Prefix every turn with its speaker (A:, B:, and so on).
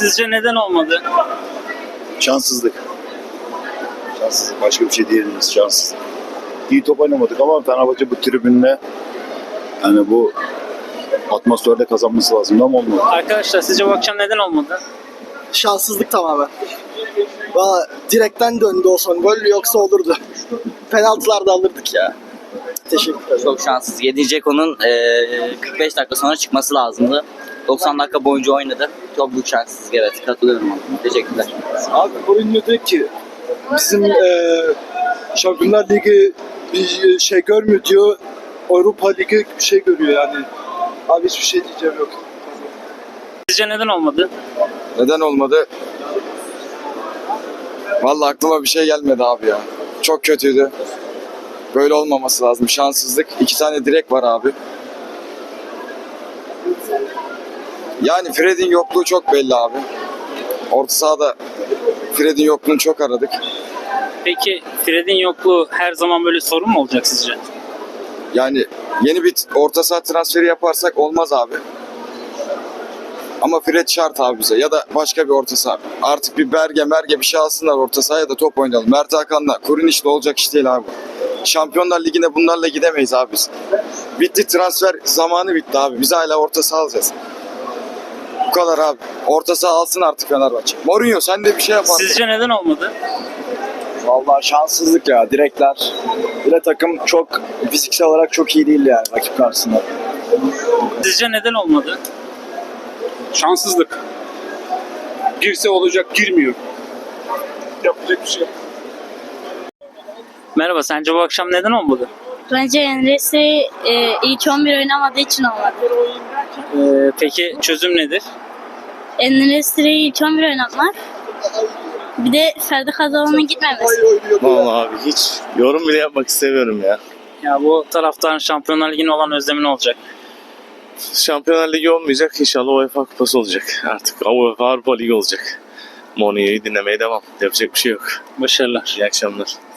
A: Sizce neden olmadı?
B: Şanssızlık. Şanssızlık. Başka bir şey diyebiliriz. Şanssızlık. İyi top oynamadık ama Fenerbahçe bu tribünle yani bu atmosferde kazanması lazım ama olmadı.
A: Arkadaşlar sizce bu akşam neden olmadı?
C: Şanssızlık tamamen. Valla direkten döndü o son gol, yoksa olurdu. Penaltılarda alırdık ya. Teşekkürler.
D: Çok şanssız. 7. Ceko'nun 45 dakika sonra çıkması lazımdı. 90 dakika boyunca oynadı. Çok büyük şanssızlık, evet. Katılıyorum ona. Teşekkürler.
E: Abi Mourinho diyor ki bizim Şampiyonlar Ligi bir şey görmüyor diyor. Avrupa Ligi bir şey görüyor yani. Abi hiçbir şey diyeceğim yok.
A: Sizce neden olmadı?
F: Neden olmadı? Vallahi aklıma bir şey gelmedi abi ya. Çok kötüydü. Böyle olmaması lazım. Şanssızlık. 2 tane direk var abi. Yani Fred'in yokluğu çok belli abi. Orta sahada Fred'in yokluğunu çok aradık.
A: Peki Fred'in yokluğu her zaman böyle sorun mu olacak sizce?
F: Yani yeni bir orta saha transferi yaparsak olmaz abi. Ama Fred şart abi bize. Ya da başka bir orta saha. Artık bir Berge bir şey alsınlar orta sahaya da top oynayalım. Mert Hakan'la Kuruniş'le olacak iş değil abi. Şampiyonlar Ligi'ne bunlarla gidemeyiz abi biz. Bitti, transfer zamanı bitti abi. Biz hala orta saha alacağız. Bu kadar abi. Orta saha alsın artık Fenerbahçe. Mourinho sen de bir şey yap artık.
A: Sizce neden olmadı?
G: Vallahi şanssızlık ya, direkler. Bir de takım çok fiziksel olarak çok iyi değil yani rakip karşısında.
A: Sizce neden olmadı?
H: Şanssızlık. Girse olacak, girmiyor. Yapacak bir şey yok.
A: Merhaba, sence bu akşam neden olmadı?
I: Bence Enes'i ilk 11 oynamadığı için olmadı.
A: Peki çözüm nedir?
I: Enes'i ilk 11 oynatmak. Bir de Ferdi Kazalan'ın gitmemesi.
J: Vallahi abi hiç yorum bile yapmak istemiyorum ya.
A: Ya bu taraftarın Şampiyonlar Ligi'ne olan özlemi ne olacak?
J: Şampiyonlar Ligi olmayacak, inşallah UEFA Kupası olacak. Artık UEFA Avrupa Ligi olacak. Mourinho'yu dinlemeye devam. Yapacak bir şey yok.
A: Başarılar.
J: İyi akşamlar.